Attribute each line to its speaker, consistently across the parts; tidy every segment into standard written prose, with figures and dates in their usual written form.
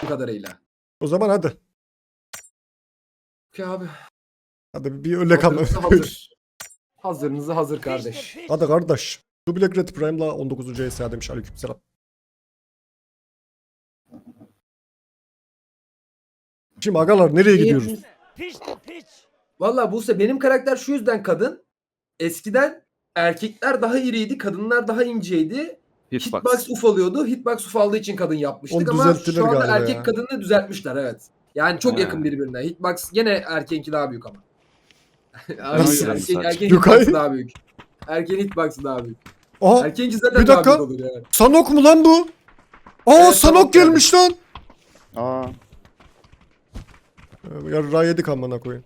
Speaker 1: gördüğüm kadarıyla.
Speaker 2: O zaman hadi.
Speaker 1: Okey abi.
Speaker 2: Hadi bir öyle kalma.
Speaker 1: Hazırınızı hazır. Hazırınızı hazır kardeş.
Speaker 2: Hadi kardeş. Şu Black Red Prime'la 19. ESA demiş. Aleykümselam. Şimdi agalar nereye gidiyoruz?
Speaker 1: Valla Buse benim karakter şu yüzden kadın. Eskiden erkekler daha iriydi, kadınlar daha inceydi. Hitbox ufalıyordu. Hitbox ufaldığı için kadın yapmıştık
Speaker 2: Onu
Speaker 1: ama
Speaker 2: düzelttiler
Speaker 1: şu anda
Speaker 2: galiba
Speaker 1: erkek
Speaker 2: ya.
Speaker 1: kadını düzeltmişler evet. Yani çok yakın birbirine. Hitbox gene erkeğinki daha büyük ama.
Speaker 2: Nasıl?
Speaker 1: Erkeğin
Speaker 2: Yukarı-
Speaker 1: hitbox'ı daha büyük. Erkeğin hitbox'ı daha büyük.
Speaker 2: Aha
Speaker 1: Erkeğinki zaten
Speaker 2: bir
Speaker 1: daha
Speaker 2: dakika.
Speaker 1: büyük olur yani.
Speaker 2: Sanok mu lan bu? Aa
Speaker 1: Evet,
Speaker 2: Sanok
Speaker 1: Sanok geldi.
Speaker 2: gelmiş lan.
Speaker 3: Aa.
Speaker 2: Yarra yedik amına koyayım.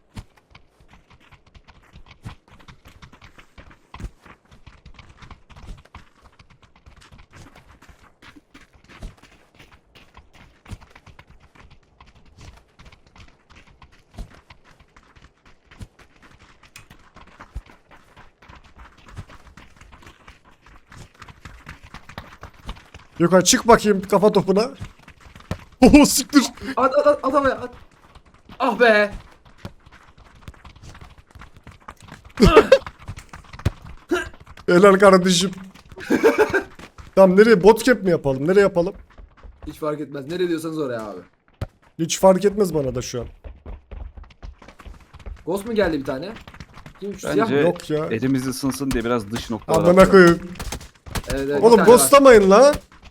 Speaker 2: Yukarı çık bakayım kafa topuna. Oh siktir.
Speaker 1: At havaya at. Ah be.
Speaker 2: Helal kardeşim. Tamam nereye botcap mi yapalım? Nereye yapalım?
Speaker 1: Hiç fark etmez. Nereye diyorsanız oraya abi.
Speaker 2: Hiç fark etmez bana da şu an.
Speaker 1: Ghost mu geldi bir tane? Kim şu siyah
Speaker 4: Bence
Speaker 1: mı?
Speaker 2: Yok ya.
Speaker 4: elimiz ısınsın diye biraz dış noktalar
Speaker 2: Amına
Speaker 4: atalım.
Speaker 2: koyayım.
Speaker 1: Evet, bir
Speaker 2: Oğlum
Speaker 1: tane var.
Speaker 2: ghostlamayın la.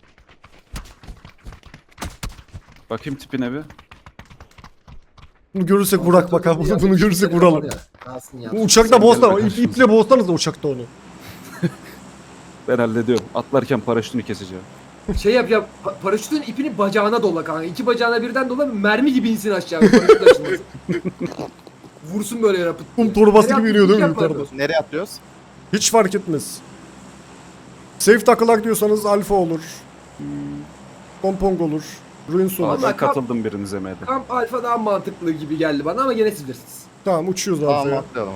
Speaker 4: Bakayım tipine bir.
Speaker 2: Bunu görürsek vurak bak ha. Bunu görürsek
Speaker 1: Ya,
Speaker 2: vuralım.
Speaker 1: kalsın ya.
Speaker 2: Bu uçakta
Speaker 4: Sen
Speaker 2: boğsana.
Speaker 4: gel bakalım.
Speaker 2: İple boğsanız da uçakta onu.
Speaker 4: Ben hallediyorum. Atlarken paraşütünü keseceğim.
Speaker 1: Şey yap ya paraşütün ipini bacağına dola kanka. İki bacağına birden dola mermi gibi insin aşağı. Paraşüt açılmasın. Vursun böyle yere pıt diye.
Speaker 2: Kum torbası
Speaker 1: Nereye
Speaker 2: gibi iniyor değil mi
Speaker 1: atlayıp
Speaker 2: yukarıda?
Speaker 1: yapma.
Speaker 3: Nereye atlıyoruz?
Speaker 2: Hiç fark etmez. Safe takılak diyorsanız alfa olur. Pompong olur. Ruins olur.
Speaker 4: Aa,
Speaker 1: Vallahi
Speaker 4: ben katıldım birinize M'de.
Speaker 1: Kamp alfa daha mantıklı gibi geldi bana ama gene siz bilirsiniz.
Speaker 2: Tamam uçuyoruz
Speaker 3: Tamam
Speaker 2: alfaya.
Speaker 3: atlayalım.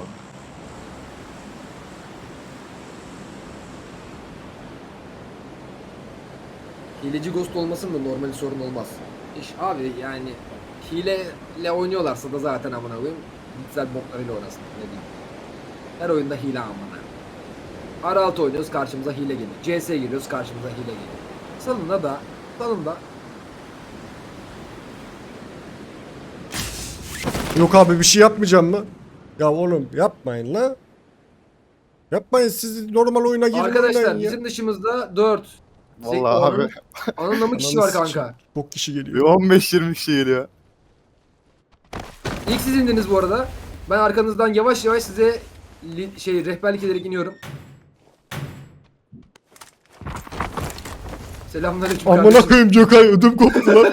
Speaker 1: Hileci ghost olmasın da normali sorun olmaz. İş abi yani hileyle oynuyorlarsa da zaten amına koyayım. Gitsel botlarıyla oynasın ne diyeyim. Her oyunda hile amına. R6 oynuyoruz karşımıza hile geliyor. CS giriyoruz karşımıza hile geliyor. Salında
Speaker 2: Yok abi bir şey yapmayacağım mı? Ya oğlum yapmayın la. Yapmayın siz normal oyuna girin
Speaker 1: arkadaşlar
Speaker 2: oynayın ya.
Speaker 1: bizim dışımızda 4
Speaker 3: Vallahi abi.
Speaker 1: Anında mı kişi
Speaker 2: Ananı
Speaker 1: var
Speaker 2: sikeyim.
Speaker 1: kanka?
Speaker 2: Çok kişi
Speaker 3: Bir
Speaker 2: geliyor.
Speaker 3: 15-20 kişi geliyor.
Speaker 1: İlk siz indiniz bu arada. Ben arkanızdan yavaş yavaş size rehberlik ederek iniyorum. Selamünaleyküm
Speaker 2: Amına
Speaker 1: kardeşim.
Speaker 2: koyayım Gökay ödüm koptu lan.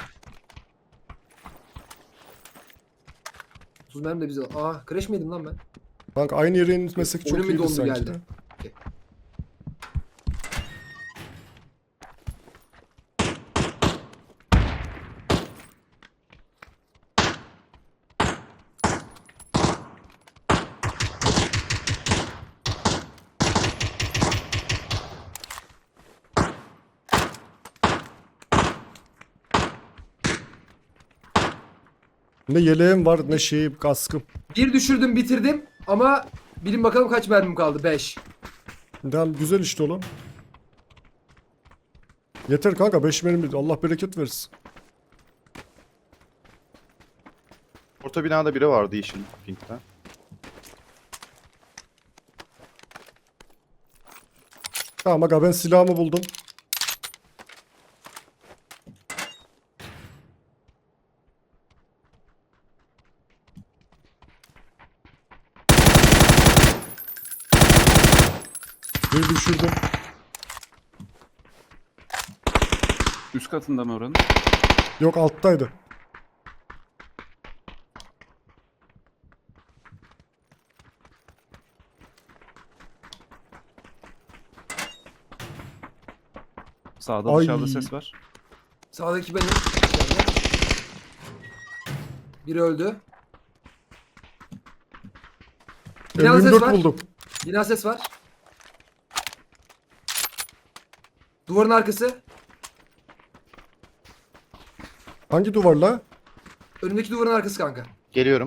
Speaker 1: Tuzmer'im de bize. Aa crash miydim lan ben?
Speaker 2: Kanka aynı yere inmesek çok
Speaker 1: Oyunum bir
Speaker 2: iyiydi
Speaker 1: dondu
Speaker 2: sanki
Speaker 1: geldi.
Speaker 2: de. Ne yeleğim var ne şeyim kaskım.
Speaker 1: Bir düşürdüm bitirdim ama bilin bakalım kaç mermim kaldı? 5.
Speaker 2: Tamam güzel işte oğlum. Yeter kanka 5 mermi Allah bereket versin.
Speaker 3: Orta binada biri vardı yeşil pinkten.
Speaker 2: Tamam aga ben silahımı buldum. Bir düşürdüm.
Speaker 4: Üst katında mı oranın?
Speaker 2: Yok alttaydı.
Speaker 4: Sağda
Speaker 2: Ay.
Speaker 4: dışarıda ses var.
Speaker 1: Sağdaki benim. Biri öldü. Binada ses
Speaker 2: M24
Speaker 1: var.
Speaker 2: buldum.
Speaker 1: Bina ses var. Duvarın arkası.
Speaker 2: Hangi duvarla?
Speaker 1: Önümdeki duvarın arkası kanka.
Speaker 3: Geliyorum.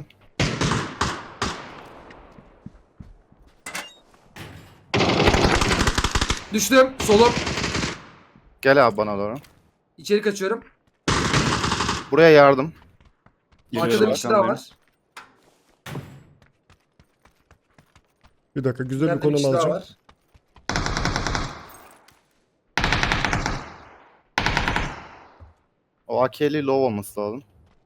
Speaker 1: Düştüm. Solum.
Speaker 3: Gel abi bana doğru.
Speaker 1: İçeri kaçıyorum.
Speaker 3: Buraya yardım.
Speaker 4: Geliyorum,
Speaker 1: Arkada bir kişi daha
Speaker 4: arkandayım.
Speaker 1: var.
Speaker 2: Bir dakika güzel bir
Speaker 1: İleride bir
Speaker 2: konum
Speaker 1: kişi daha
Speaker 2: alacağım.
Speaker 1: var.
Speaker 3: O AK'li low olması lazım.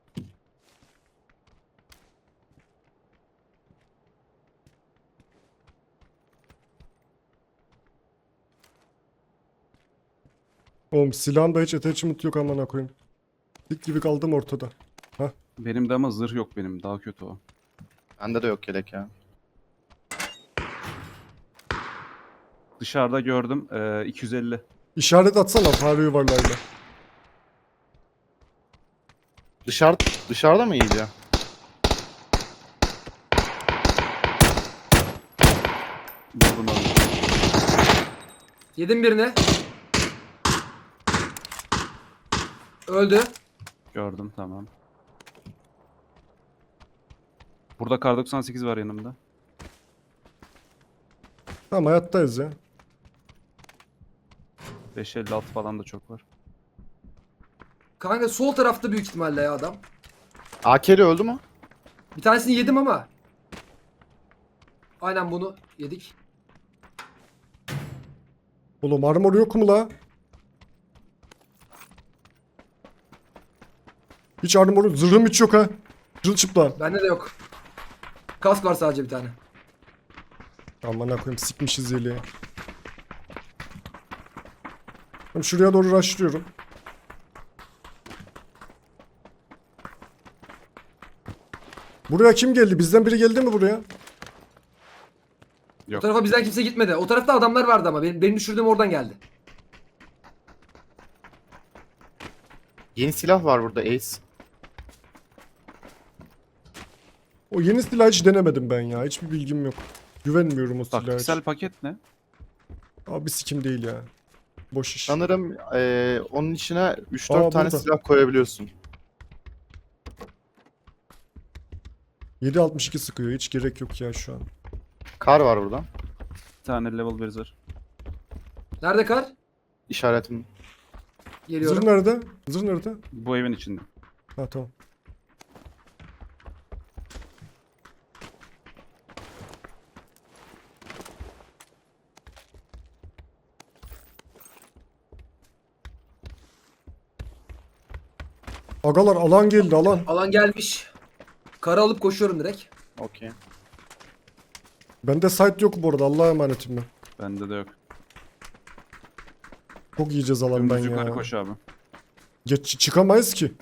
Speaker 2: Oğlum silahımda hiç attachment yok amına koyayım. Dik gibi kaldım ortada.
Speaker 4: Benim de ama zırh yok benim. Daha kötü o.
Speaker 3: Bende de yok yelek ya.
Speaker 4: Dışarıda gördüm. 250.
Speaker 2: İşaret atsana fare yuvarlayla.
Speaker 3: Dışarıda mı iyice?
Speaker 4: Vurdum onu.
Speaker 1: Yedim birini. Öldü.
Speaker 4: Gördüm, tamam. Burada kar 98 var yanımda.
Speaker 2: Tamam hayattayız ya.
Speaker 4: 556 falan da çok var.
Speaker 1: Kanka sol tarafta büyük ihtimalle ya adam.
Speaker 3: AK'li öldü mü?
Speaker 1: Bir tanesini yedim ama. Aynen bunu yedik.
Speaker 2: Oğlum armor yok mu la? Hiç armor zırhım hiç yok ha. Çırılçıpla.
Speaker 1: Bende de yok. Kask var sadece bir tane.
Speaker 2: Amına koyayım sikmişiz yeleği. Tamam, şuraya doğru rushlıyorum. Buraya kim geldi? Bizden biri geldi mi buraya?
Speaker 1: O
Speaker 4: Yok.
Speaker 1: tarafa bizden kimse gitmedi. O tarafta adamlar vardı ama benim düşürdüğüm oradan geldi.
Speaker 3: Yeni silah var burada Ace.
Speaker 2: O yeni silahı hiç denemedim ben ya. Hiçbir bilgim yok. Güvenmiyorum o silaha hiç.
Speaker 4: Taktiksel paket ne?
Speaker 2: Abi sikim değil ya. Boş iş.
Speaker 3: Sanırım onun içine 3-4
Speaker 2: Aa,
Speaker 3: tane
Speaker 2: burada.
Speaker 3: silah koyabiliyorsun.
Speaker 2: 7.62 sıkıyor. Hiç gerek yok ya şu an.
Speaker 3: Kar var burada.
Speaker 4: Bir tane level 1 zırh.
Speaker 1: Nerede kar?
Speaker 3: İşaretim.
Speaker 1: Geliyorum.
Speaker 2: Zırh nerede? Zırh nerede?
Speaker 4: Bu evin içinde.
Speaker 2: Ha tamam. Agalar alan geldi alan.
Speaker 1: Alan gelmiş. Karı alıp koşuyorum direkt.
Speaker 3: Okey.
Speaker 2: Bende site yok bu arada. Allah'a emanetim ben.
Speaker 4: Bende de yok.
Speaker 2: Çok yiyeceğiz alan ben
Speaker 4: Dümdüz yukarı
Speaker 2: ya.
Speaker 4: koş abi.
Speaker 2: Geç çıkamayız ki.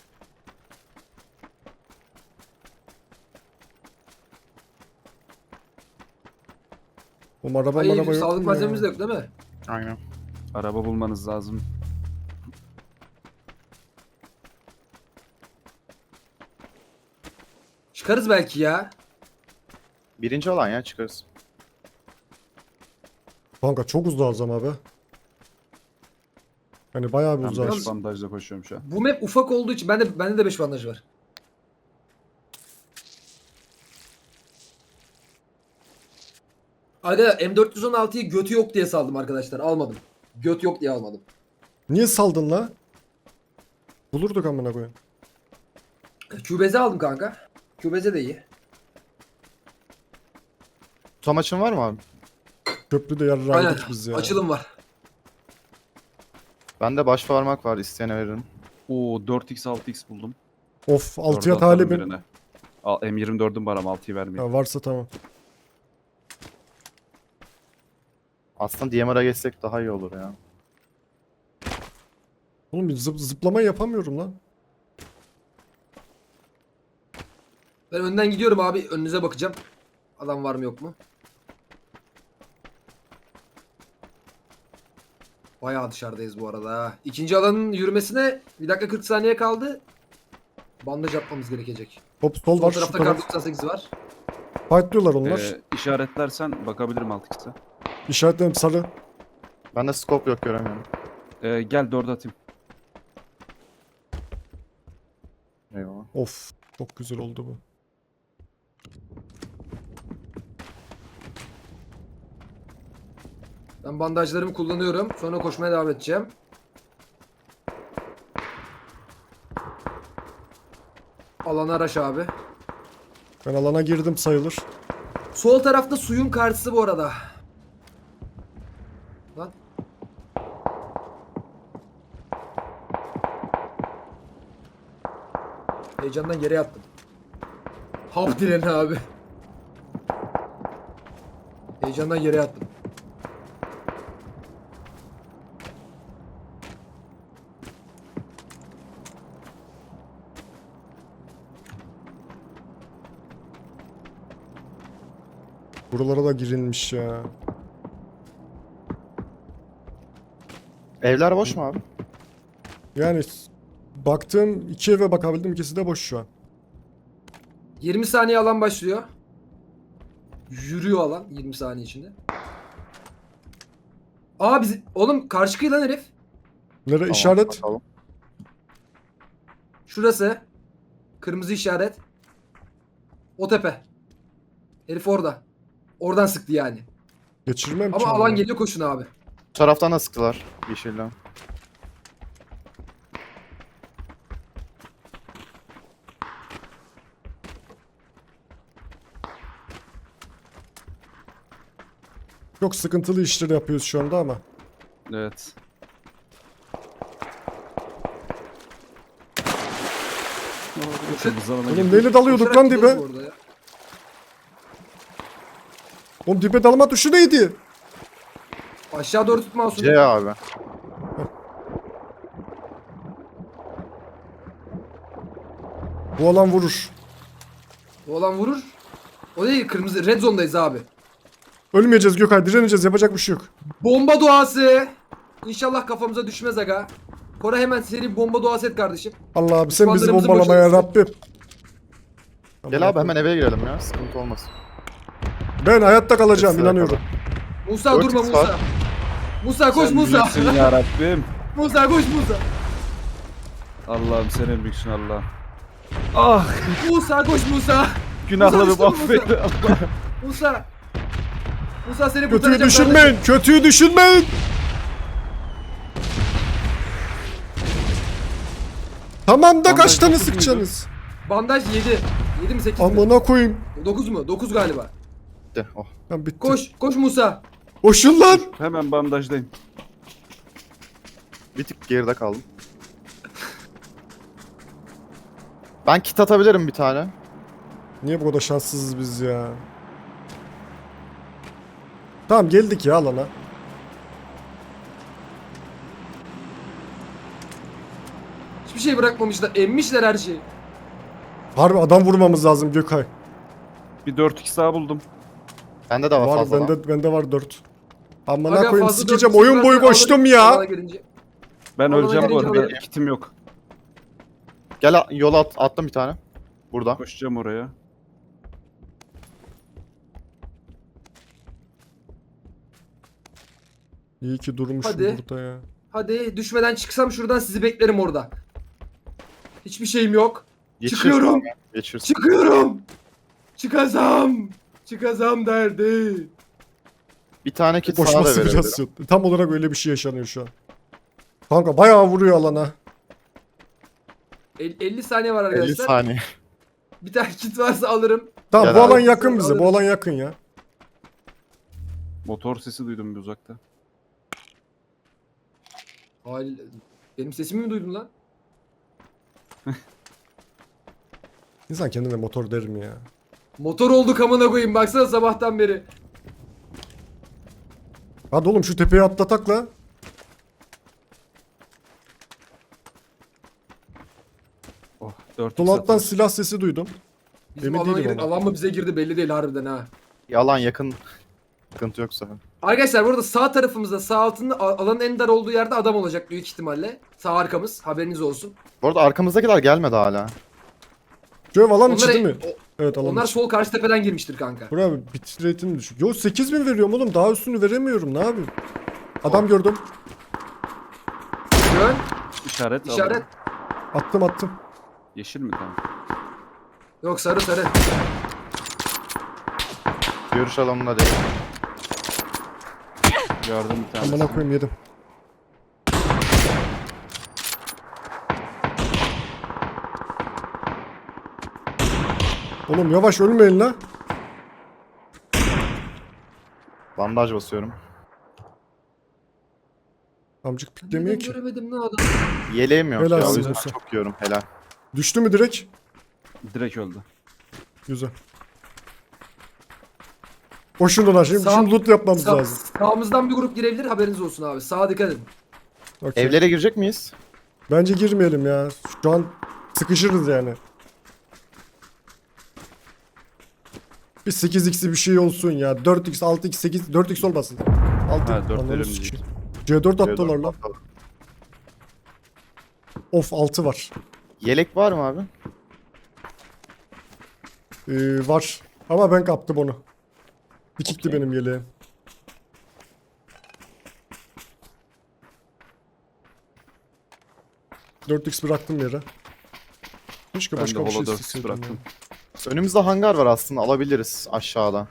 Speaker 2: Oğlum araba
Speaker 1: Ay
Speaker 2: yok
Speaker 1: sağlık
Speaker 2: mu
Speaker 1: malzememiz de
Speaker 2: ya?
Speaker 1: yok değil mi?
Speaker 3: Aynen.
Speaker 4: Araba bulmanız lazım.
Speaker 1: Çıkarız belki ya.
Speaker 3: Birinci olan ya çıkarız.
Speaker 2: Kanka çok uzağız ama be. Hani bayağı bir
Speaker 4: Ben
Speaker 2: uzağız.
Speaker 4: 5 bandajla koşuyorum şu an.
Speaker 1: Bu map ufak olduğu için bende de 5 bandaj var. Aga M416'yı götü yok diye saldım arkadaşlar. Almadım. Göt yok diye almadım.
Speaker 2: Niye saldın la? Bulurduk amına koyayım.
Speaker 1: Kübeze aldım kanka. Kübeze de iyi.
Speaker 3: Tutamaçın var mı abi?
Speaker 2: Köprüde
Speaker 1: Aynen.
Speaker 2: yarrağıydık biz ya.
Speaker 1: Açılım var.
Speaker 3: Bende baş parmak var, isteyene veririm.
Speaker 4: Oo 4x 6x buldum.
Speaker 2: Of
Speaker 4: Dördü
Speaker 2: 6'ya
Speaker 4: atarım
Speaker 2: talibim.
Speaker 4: birine. Al, M24'üm var ama 6'yı vermeyeyim.
Speaker 2: Ha, varsa tamam.
Speaker 3: Aslında DMR'a geçsek daha iyi olur ya.
Speaker 2: Oğlum bir zıplama yapamıyorum lan.
Speaker 1: Ben önden gidiyorum abi. Önünüze bakacağım. Adam var mı yok mu? Bayağı dışarıdayız bu arada ha. İkinci alanın yürümesine 1 dakika 40 saniye kaldı. Bandaj atmamız gerekecek.
Speaker 2: Hop sol
Speaker 1: Sol
Speaker 2: var şu
Speaker 1: tarafta kar
Speaker 2: taraf.
Speaker 1: 98 var.
Speaker 2: Fightlıyorlar onlar.
Speaker 4: İşaretlersen bakabilirim 6x'e.
Speaker 2: İşaretlerim sarı.
Speaker 3: Bende scope yok, göremiyorum.
Speaker 4: Gel 4 atayım.
Speaker 2: Of. Çok güzel oldu bu.
Speaker 1: Ben bandajlarımı kullanıyorum. Sonra koşmaya devam edeceğim. Alana araç abi.
Speaker 2: Ben alana girdim sayılır.
Speaker 1: Sol tarafta suyun karşısı bu arada. Lan. Heyecandan yere yattım. Hap direni abi. Heyecandan yere yattım.
Speaker 2: Buralara da girilmiş ya.
Speaker 3: Evler boş mu abi?
Speaker 2: Yani baktığım 2 eve bakabildim, ikisi de boş şu an.
Speaker 1: 20 saniye alan başlıyor. Yürüyor alan 20 saniye içinde. Aa biz oğlum karşı kıyılan herif.
Speaker 2: Nere
Speaker 3: Tamam,
Speaker 2: işaret?
Speaker 3: bakalım.
Speaker 1: Şurası. Kırmızı işaret. O tepe. Herif orada. Oradan sıktı yani.
Speaker 2: Geçirmem
Speaker 1: Ama
Speaker 2: ki
Speaker 1: alan
Speaker 2: onu.
Speaker 1: geliyor koşun abi.
Speaker 3: Bu taraftan da sıktılar yeşilden.
Speaker 2: Çok sıkıntılı işler yapıyoruz şu anda ama.
Speaker 4: Evet. Kırmızı alana
Speaker 2: Oğlum
Speaker 4: girdik.
Speaker 2: neyle dalıyorduk
Speaker 1: Koşarak
Speaker 2: lan
Speaker 1: gidiyoruz
Speaker 2: dibe?
Speaker 1: bu arada ya.
Speaker 2: Oğlum dibe dalma tuşu neydi?
Speaker 1: Aşağı doğru tutma Asude.
Speaker 3: C abi.
Speaker 2: Bu alan vurur.
Speaker 1: Bu olan vurur. O değil kırmızı. Red zone'dayız abi.
Speaker 2: Ölmeyeceğiz Gökay, direneceğiz, yapacak bir şey yok.
Speaker 1: Bomba duası. İnşallah kafamıza düşmez aga. Kora hemen seri bomba duası et kardeşim.
Speaker 2: Allah abi sen bizi
Speaker 1: Düşmanlarımızı
Speaker 2: bombalama ya
Speaker 1: boşaltsın.
Speaker 2: Rabbim.
Speaker 3: Gel abi hemen eve girelim ya. Sıkıntı olmaz.
Speaker 2: Ben hayatta kalacağım,
Speaker 3: Sıra
Speaker 2: inanıyorum.
Speaker 1: Musa
Speaker 3: Dört
Speaker 1: durma
Speaker 3: X
Speaker 1: Musa.
Speaker 3: var.
Speaker 1: Musa koş
Speaker 4: Sen
Speaker 1: Musa.
Speaker 4: büyüksün ya Rabbim.
Speaker 1: Musa koş Musa.
Speaker 4: Allah'ım sen en büyüksün Allah. Ah,
Speaker 1: Musa koş Musa.
Speaker 4: günahlarımı
Speaker 1: Musa,
Speaker 4: affet. Allah.
Speaker 1: Musa. Musa seni
Speaker 2: Kötüyü
Speaker 1: kurtaracak
Speaker 2: düşünmeyin, kötüyü düşünmeyin. Tamam da kaç
Speaker 4: Bandaj
Speaker 2: tane
Speaker 4: dokuz muydu?
Speaker 2: sıkacaksınız?
Speaker 1: Bandaj 7. 7 mi 8 mi?
Speaker 2: Amına koyayım.
Speaker 1: 9 mu? 9 galiba.
Speaker 3: De, oh.
Speaker 2: Lan bitti.
Speaker 1: Koş. Koş Musa.
Speaker 2: Koşun lan.
Speaker 4: Hemen bandajdayım.
Speaker 3: Bir tık geride kaldım. Ben kit atabilirim bir tane.
Speaker 2: Niye bu kadar şanssızız biz ya? Tamam geldik ya alana.
Speaker 1: Hiçbir şey bırakmamışlar. Emmişler her şeyi.
Speaker 2: Harbi adam vurmamız lazım Gökay.
Speaker 4: Bir 4x daha buldum.
Speaker 3: Bende de var,
Speaker 2: Var
Speaker 3: fazla.
Speaker 2: bende var 4. Amına
Speaker 1: Aga,
Speaker 2: koyayım
Speaker 1: fazla
Speaker 2: sikeceğim,
Speaker 1: dört
Speaker 2: oyun boyu
Speaker 1: varsa
Speaker 2: koştum
Speaker 1: alana
Speaker 2: ya.
Speaker 1: girince-
Speaker 4: Ben
Speaker 1: Alana
Speaker 4: öleceğim bu
Speaker 1: girince
Speaker 4: arada.
Speaker 1: alırım.
Speaker 4: Kitim yok.
Speaker 3: Gel yola attım bir tane. Burada.
Speaker 4: Koşacağım oraya.
Speaker 2: İyi ki durmuşum
Speaker 1: Hadi.
Speaker 2: burada ya.
Speaker 1: Hadi düşmeden çıksam şuradan sizi beklerim orada. Hiçbir şeyim yok.
Speaker 3: Geçir
Speaker 1: Çıkıyorum.
Speaker 3: abi, geçir.
Speaker 1: Çıkıyorum. Çıkazam. Çıkazam derdi.
Speaker 3: Bir tane kit sana da
Speaker 2: Koşması
Speaker 3: verebilirim.
Speaker 2: biraz yok. Tam olarak öyle bir şey yaşanıyor şu an. Kanka bayağı vuruyor alana.
Speaker 1: 50 saniye var
Speaker 3: 50
Speaker 1: arkadaşlar.
Speaker 3: saniye.
Speaker 1: Bir tane kit varsa alırım.
Speaker 2: Tamam
Speaker 3: Gel
Speaker 2: bu
Speaker 3: abi.
Speaker 2: alan yakın bize. Bu alan yakın ya.
Speaker 4: Motor sesi duydum bir uzakta.
Speaker 1: Halil, benim sesimi mi duydun lan?
Speaker 2: İnsan kendine motor der mi ya?
Speaker 1: Motor olduk amına koyayım baksana sabahtan beri.
Speaker 2: Hadi oğlum şu tepeye atlatak la.
Speaker 4: Oh 4x
Speaker 2: Dolattan
Speaker 4: atarım.
Speaker 2: silah sesi duydum.
Speaker 1: Bizim
Speaker 2: Emin
Speaker 1: alana
Speaker 2: değilim
Speaker 1: girdik.
Speaker 2: ama.
Speaker 1: Alan mı bize girdi belli değil harbiden ha.
Speaker 3: Yalan yakın. Sıkıntı yoksa.
Speaker 1: Arkadaşlar burada sağ tarafımızda sağ altında alanın en dar olduğu yerde adam olacak büyük ihtimalle. Sağ arkamız haberiniz olsun.
Speaker 3: Bu arada arkamızdakiler gelmedi hala.
Speaker 2: Şu ev alan içi
Speaker 1: Onlar,
Speaker 2: değil mi? Evet alan
Speaker 1: onlar
Speaker 2: içi.
Speaker 1: sol karşı tepeden girmiştir kanka.
Speaker 2: Bura abi bit rate'im düşük. Yo 8000 veriyorum oğlum, daha üstünü veremiyorum, ne yapayım? Adam gördüm.
Speaker 1: Yön,
Speaker 4: İşaret.
Speaker 1: işaret.
Speaker 4: alalım.
Speaker 2: Attım.
Speaker 4: Yeşil mi tamam?
Speaker 1: Yok, sarı sarı.
Speaker 3: Görüş alanında değil.
Speaker 4: Gördüm bir tanesini.
Speaker 2: Amına koyayım yedim. Oğlum yavaş ölmeyin la.
Speaker 3: Bandaj basıyorum.
Speaker 2: Amcık piklemiyor
Speaker 1: Neden
Speaker 2: ki.
Speaker 1: göremedim lan adam?
Speaker 3: Yeleğim yok
Speaker 2: Helal
Speaker 3: ya. O
Speaker 2: olsun
Speaker 3: yüzden
Speaker 2: Musa.
Speaker 3: çok yiyorum. Helal.
Speaker 2: Düştü mü direkt?
Speaker 4: Direkt öldü.
Speaker 2: Güzel. Boşuna lan şimdi,
Speaker 1: Sağ-
Speaker 2: şimdi loot yapmamız
Speaker 1: Sağ-
Speaker 2: lazım.
Speaker 1: Sağımızdan bir grup girebilir, haberiniz olsun abi. Sağa dikkat edin.
Speaker 2: Okey.
Speaker 3: Evlere girecek miyiz?
Speaker 2: Bence girmeyelim ya. Şu an sıkışırız yani. Bir 8x'i bir şey olsun ya. 4x, 6x, 8, 4x olmasın. 6
Speaker 4: Ha, 4
Speaker 2: Ananı
Speaker 4: verim
Speaker 2: sikeyim.
Speaker 4: diyecek.
Speaker 2: C4 attılar lan. Of 6 var.
Speaker 3: Yelek var mı abi?
Speaker 2: Var. Ama ben kaptım onu. Dikikti
Speaker 3: Okey.
Speaker 2: benim yeleğim. ...4x bıraktım yere. Keşke
Speaker 4: Ben de
Speaker 2: başka bir şey
Speaker 4: Holo 4
Speaker 2: isteseydim
Speaker 4: bıraktım.
Speaker 2: ya.
Speaker 3: Önümüzde hangar var aslında. Alabiliriz aşağıda.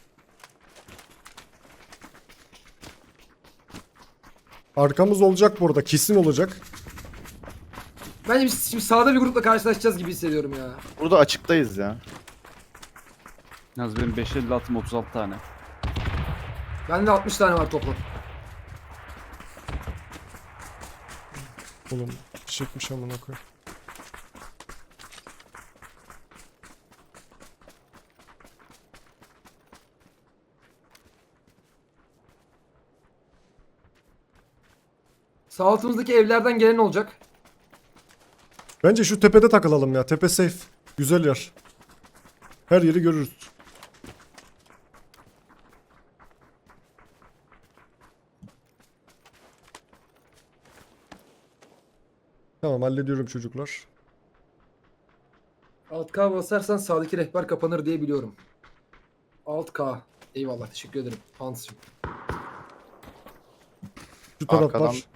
Speaker 2: Arkamız olacak burada. Kesin olacak.
Speaker 1: Bence biz şimdi sağda bir grupla karşılaşacağız gibi hissediyorum ya.
Speaker 3: Burada açıktayız ya.
Speaker 4: Yalnız benim 556'm 36 tane.
Speaker 1: Bende 60 tane var toplam.
Speaker 2: Oğlum çekmiş amına koy.
Speaker 1: Sağ altımızdaki evlerden gelen olacak.
Speaker 2: Bence şu tepede takılalım ya. Tepe safe. Güzel yer. Her yeri görürüz. Tamam hallediyorum çocuklar.
Speaker 1: Alt K basarsan sağdaki rehber kapanır diye biliyorum. Alt K. Eyvallah, teşekkür ederim Hans'cığım.
Speaker 2: Şu taraf
Speaker 3: Arkadan-
Speaker 2: var.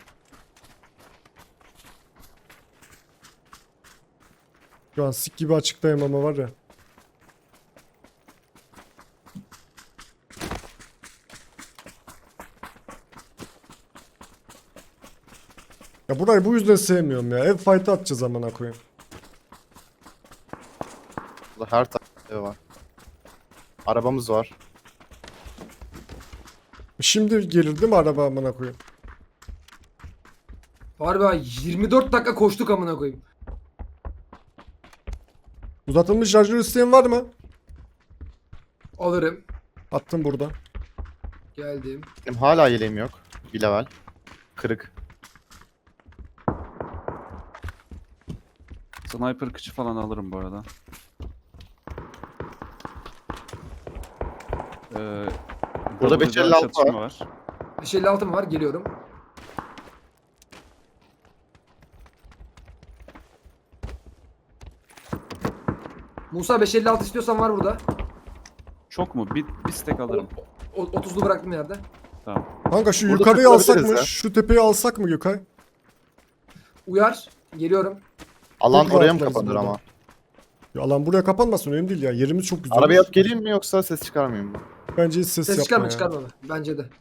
Speaker 2: Şu an sik gibi açıktayım ama var ya. Ya burayı bu yüzden sevmiyorum ya. Ev fight'ı atacağız amına koyayım.
Speaker 3: Burada her tarafta ev var. Arabamız var.
Speaker 2: Şimdi gelir değil mi araba amına koyayım?
Speaker 1: Harbi ha, 24 dakika koştuk amına koyayım.
Speaker 2: Uzatılmış şarjör isteyen var mı?
Speaker 1: Alırım.
Speaker 2: Attım burada.
Speaker 1: Geldim.
Speaker 3: Benim hala yeleğim yok. Bir level. Kırık.
Speaker 4: Sniper kıçı falan alırım bu arada.
Speaker 3: Burada
Speaker 4: W'da
Speaker 3: 556
Speaker 4: çatışma var.
Speaker 1: 556 mı var? Geliyorum. Musa 556 istiyorsan var burada.
Speaker 4: Çok mu? Bir stack alırım.
Speaker 1: 30'lu bıraktım yerde.
Speaker 4: Tamam.
Speaker 2: Kanka şu
Speaker 3: Burada
Speaker 2: yukarıyı alsak
Speaker 3: takılabiliriz
Speaker 2: mı?
Speaker 3: ya.
Speaker 2: Şu tepeyi alsak mı Gökay?
Speaker 1: Uyar. Geliyorum.
Speaker 3: Alan
Speaker 2: Çok
Speaker 3: oraya mı
Speaker 2: rahatlarız
Speaker 3: kapanır
Speaker 2: burada.
Speaker 3: ama?
Speaker 2: Ya alan buraya kapanmasın önemli değil ya. Yerimiz çok güzel.
Speaker 3: Arabaya alıp geleyim mi yoksa ses çıkarmayayım mı?
Speaker 2: Bence hiç ses,
Speaker 1: Ses
Speaker 2: yapma
Speaker 1: çıkarma
Speaker 2: ya.
Speaker 1: çıkarma. Bence de.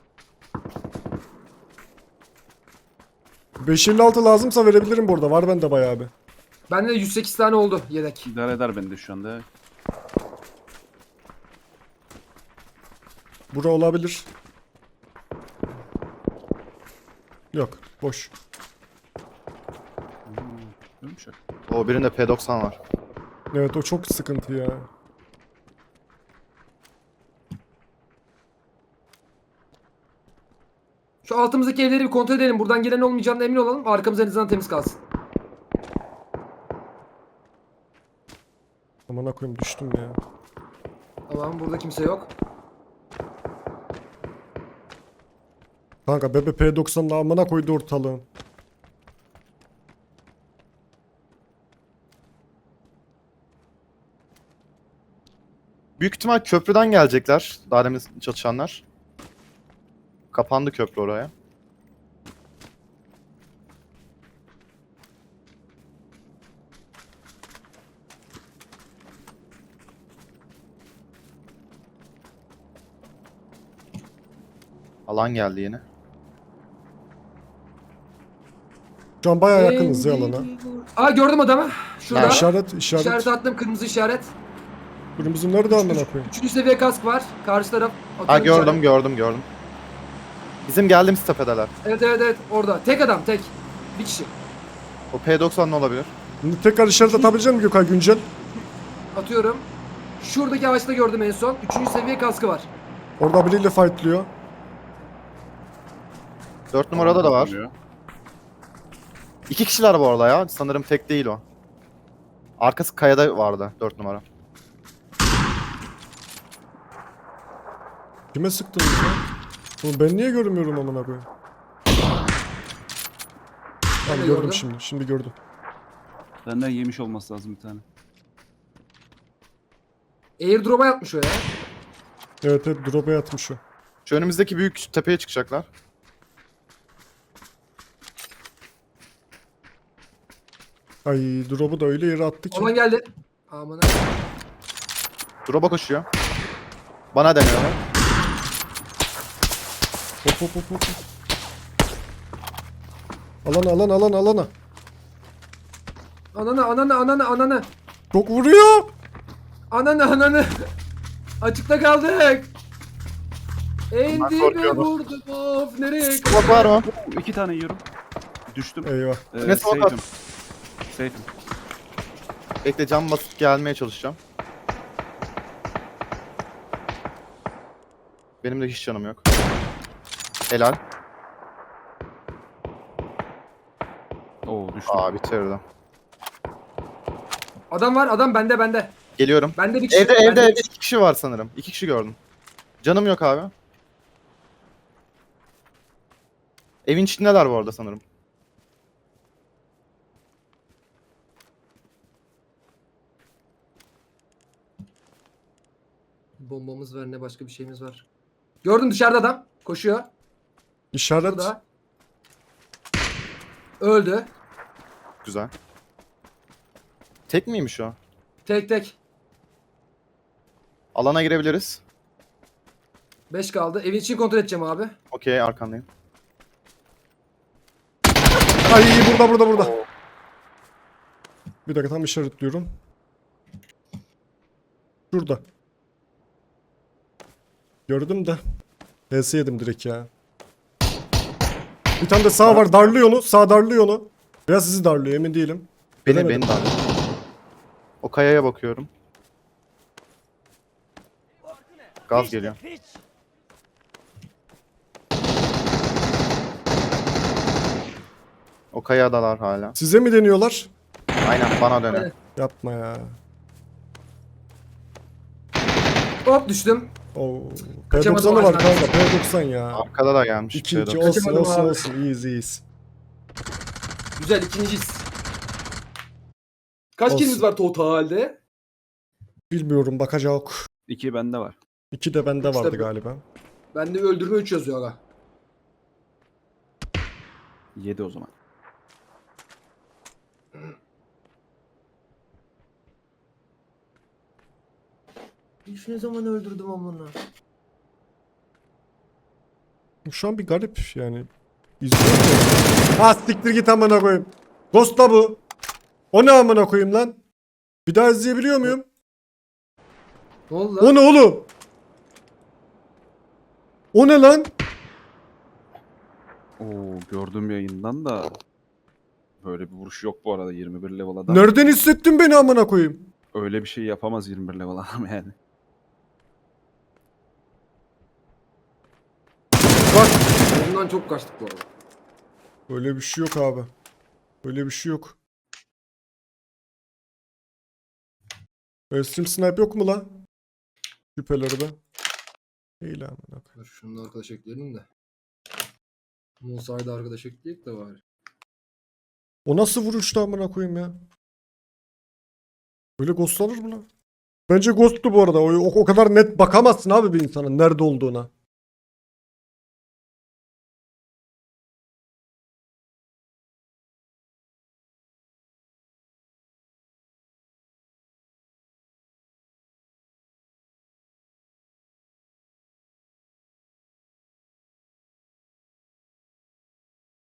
Speaker 2: 556 lazımsa verebilirim burada. Var bende bayağı bir.
Speaker 1: Bende de 108 tane oldu yedek.
Speaker 4: İdare eder beni de şu anda.
Speaker 2: Bura olabilir. Yok. Boş.
Speaker 4: Ölmüş ya.
Speaker 3: O birinde P90 var.
Speaker 2: Evet o çok sıkıntı ya.
Speaker 1: Şu altımızdaki evleri bir kontrol edelim. Buradan gelen olmayacağına emin olalım. Arkamız en azından temiz kalsın.
Speaker 2: Aman koyayım düştüm ya.
Speaker 1: Tamam, burada kimse yok.
Speaker 2: Kanka bebe P90'la amına koydu ortalığın.
Speaker 3: Büyük ihtimal köprüden gelecekler. Daha demin çatışanlar. Kapandı köprü oraya. Alan geldi yine.
Speaker 2: Şu an bayağı yakınız ya alana.
Speaker 1: Aa gördüm adamı. Şurada.
Speaker 3: Nerede?
Speaker 2: İşaret,
Speaker 1: İşaret
Speaker 2: işaret.
Speaker 1: attım, kırmızı işaret.
Speaker 2: Kırmızı nerede amına koyayım?
Speaker 1: 3. seviye kask var. Karşı taraf.
Speaker 3: Ha
Speaker 1: atıyorum
Speaker 3: gördüm
Speaker 1: işaret.
Speaker 3: gördüm. Bizim geldiğimiz tepedeler.
Speaker 1: Evet orada. Tek adam tek. Bir kişi.
Speaker 3: O P90 ne olabilir?
Speaker 2: Şimdi tekrar işaret atabilecek misin Gökay güncel?
Speaker 1: Atıyorum. Şuradaki ağaçta gördüm en son. 3. seviye kaskı var.
Speaker 2: Orada biriyle fightlıyor.
Speaker 3: 4 numarada da var.
Speaker 4: Oluyor.
Speaker 3: 2 kişiler bu arada ya. Sanırım tek değil o. Arkası kayada vardı 4 numara.
Speaker 2: Kime sıktınız ya? Oğlum ben niye görmüyorum amına koyayım? Tamam
Speaker 1: de
Speaker 2: gördüm
Speaker 1: gördüm.
Speaker 2: şimdi. Şimdi gördüm.
Speaker 4: Benden yemiş olması lazım bir tane.
Speaker 1: Airdrop'a yatmış o ya.
Speaker 2: Evet drop'a yatmış o.
Speaker 3: Şu önümüzdeki büyük tepeye çıkacaklar.
Speaker 2: Ay drop'u da öyle yere attı ki.
Speaker 1: Olan geldi. Aman
Speaker 3: Drop'a koşuyor. Bana deniyorlar.
Speaker 2: Hop. Alana.
Speaker 1: Ananı.
Speaker 2: Çok vuruyor.
Speaker 1: Ananı. Açıkta kaldık. En
Speaker 3: Bunlar
Speaker 1: dibe
Speaker 3: korkuyorlar.
Speaker 1: vurdum of nereye
Speaker 3: Smoke var mı?
Speaker 4: 2 tane yiyorum. Düştüm.
Speaker 2: Eyvah.
Speaker 3: Ne smoke at?
Speaker 4: Safe'im.
Speaker 3: Bekle cam basıp gelmeye çalışacağım. Benim de hiç canım yok. Helal.
Speaker 4: Oo düştüm.
Speaker 3: Aa bitirdim.
Speaker 1: Adam var adam bende.
Speaker 3: Geliyorum.
Speaker 1: Bende bir kişi.
Speaker 3: Evde
Speaker 1: bende bir
Speaker 3: 2 kişi var sanırım. 2 kişi gördüm. Canım yok abi. Evin içindeler bu arada sanırım.
Speaker 1: Bombamız var ne başka bir şeyimiz var. Gördüm dışarıda adam. Koşuyor.
Speaker 2: İşaret.
Speaker 1: Burada. Öldü.
Speaker 3: Güzel. Tek miymiş o?
Speaker 1: Tek.
Speaker 3: Alana girebiliriz.
Speaker 1: 5 kaldı. Evin içini kontrol edeceğim abi.
Speaker 3: Okey arkandayım.
Speaker 2: Ay burada. Bir dakika tam işaretliyorum. Şurada. Gördüm de. PS yedim direkt ya. Bir tane de sağ var darlıyor onu. Sağ darlıyor onu. Veya sizi darlıyor emin değilim.
Speaker 3: Beni
Speaker 2: Göremedim.
Speaker 3: de aldı. O kayaya bakıyorum. Gaz geliyor. O kayadalar hala.
Speaker 2: Size mi deniyorlar?
Speaker 3: Aynen bana dönüyor.
Speaker 1: Aynen.
Speaker 2: Yapma ya.
Speaker 1: Hop düştüm.
Speaker 2: Oo.
Speaker 1: Kaçamadım
Speaker 2: P90'ı var
Speaker 1: ağaçtan.
Speaker 2: kanka. P90 ya.
Speaker 3: Arkada da gelmiş.
Speaker 2: 2
Speaker 3: bir
Speaker 2: 2
Speaker 3: şey de.
Speaker 2: olsun
Speaker 1: Kaçamadım abi.
Speaker 2: olsun. İyiyiz.
Speaker 1: Güzel ikinciyiz. Kaç
Speaker 2: Olsun.
Speaker 1: kilimiz var totalde?
Speaker 2: Bilmiyorum bakacak.
Speaker 4: 2 bende var.
Speaker 2: 2 de bende
Speaker 1: İşte
Speaker 2: vardı
Speaker 1: bu.
Speaker 2: galiba.
Speaker 1: Bende öldürme 3 yazıyor aga.
Speaker 4: 7 o zaman.
Speaker 1: Hiç ne zaman öldürdüm amına.
Speaker 2: Şu an bir garip yani. İzliyorum da. Ha siktir git amına koyayım. Ghost'la bu. O ne amına koyayım lan? Bir daha izleyebiliyor muyum?
Speaker 1: Ne oldu lan?
Speaker 2: O ne oğlum? O ne lan?
Speaker 4: Oo gördüğüm yayından da böyle bir vuruş yok bu arada 21 level adam.
Speaker 2: Nereden hissettin beni amına koyayım?
Speaker 4: Öyle bir şey yapamaz 21 level adam yani.
Speaker 2: Bak.
Speaker 1: Ondan çok kaçtık bu arada.
Speaker 2: Öyle bir şey yok abi. Öyle bir şey yok. Stream snipe yok mu lan? Şüpheleri de. İyi lan amına koyayım.
Speaker 1: Dur şunu da arkadaş ekleyelim de. Musa'yı da arkadaş ekleyek de var.
Speaker 2: O nasıl vuruştu amına koyayım ya? Böyle ghostlanır mı lan? Bence ghost'tu bu arada. O kadar net bakamazsın abi bir insanın nerede olduğuna.